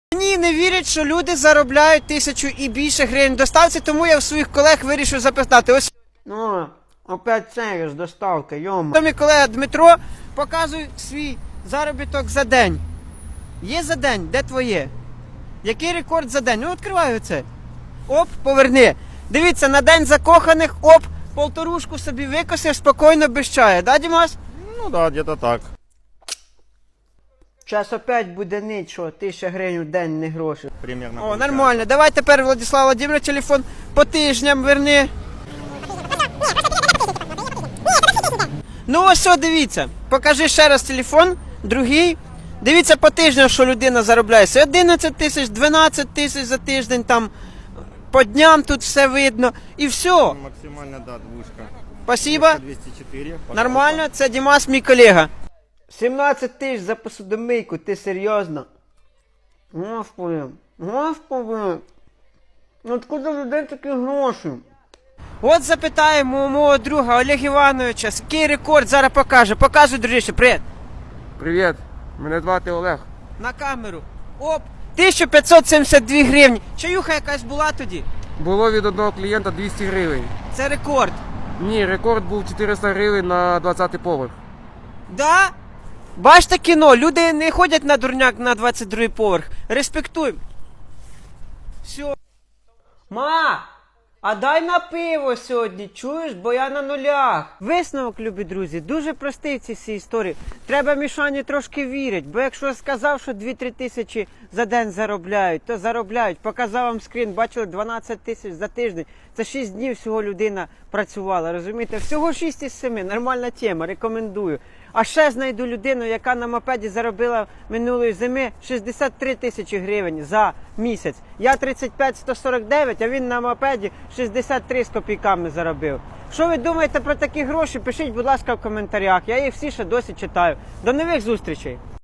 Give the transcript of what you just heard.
Мені не вірять, що люди заробляють 1000 і більше гривень доставці, тому я в своїх колег вирішив запитати. Ось, ну, опять це ж доставка, йома. Мій колега Дмитро показує свій заробіток за день. Є за день, де твоє? Який рекорд за день? Ну, відкриваю це. Оп, поверни. Дивіться, на день закоханих, оп, полторушку собі викосив спокійно без чаю. Да, Дімас? Ну да, где-то так. Зараз опять буде нічого, 1000 гривень в день не гроші. Примерно. О, получается. нормально. Давай тепер, Владислав Володимирович, телефон по тижням верни. Ну ось що, дивіться. Покажи ще раз телефон, другий. Дивіться по тижням, що людина заробляє. 11 тисяч, 12 тисяч за тиждень, там по дням тут все видно. І все. Максимально, да, двушка. Спасибо. 204. Пожалуйста. Нормально, це Дімас, мій колега. 17 тисяч за посудомийку, ти серйозно? Господи, господи. Ну откуда людей такі гроші? От запитаємо у мого друга Олега Івановича, який рекорд зараз покаже. Показуй, дружище, привіт. Привіт, мене звати Олег. На камеру. Оп, 1572 гривні. Чаюха якась була тоді? Було від одного клієнта 200 гривень. Це рекорд. Ні, рекорд був 400 гривень на 20-й поверх. Да? Бачите кіно, люди не ходять на дурняк на 22-й поверх. Респектуємо. Все. Ма, а дай на пиво сьогодні, чуєш, бо я на нулях. Висновок, любі друзі, дуже простий в цій всій історії. Треба Мішані трошки вірити, бо якщо сказав, що 2-3 тисячі за день заробляють, то заробляють. Показав вам скрін, бачили, 12 тисяч за тиждень. Це 6 днів всього людина працювала, розумієте? Всього 6 із 7, нормальна тема, рекомендую. А ще знайду людину, яка на мопеді заробила минулої зими 63 тисячі гривень за місяць. Я 35-149, а він на мопеді 63 з копійками заробив. Що ви думаєте про такі гроші? Пишіть, будь ласка, в коментарях. Я їх всі ще досі читаю. До нових зустрічей!